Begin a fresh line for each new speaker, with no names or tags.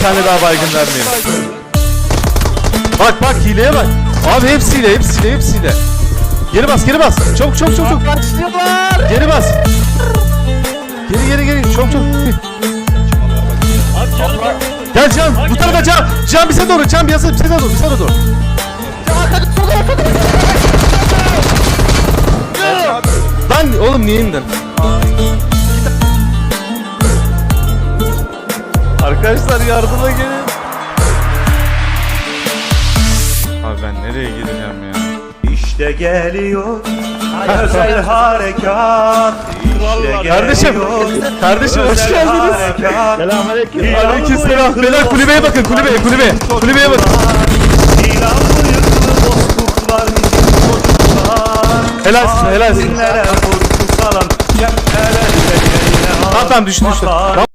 tane daha baygın vermeyelim. Bak hileye bak. Abi hepsiyle. Geri bas. Çabuk.
Başlıyorlar.
Geri bas. Geri. Çok. Gel Can. Bu tarafa Can. Can bize doğru. Can bize doğru. Lan oğlum niye indin? Arkadaşlar yardıma gelin. Abi ben nereye gideceğim ya?
İşte geliyor özel harekat. İşte
Kardeşim hoş geldiniz.
Selamünaleyküm.
Aleykümselam. Beyler kulübeye bakın. Kulübeye bakın.
İlanlı yıkılı bozkurtlar bizim çocuklar.
Helalsin.
Dinlere korku salan cephelerde yine
Tamam düştü.
Vatan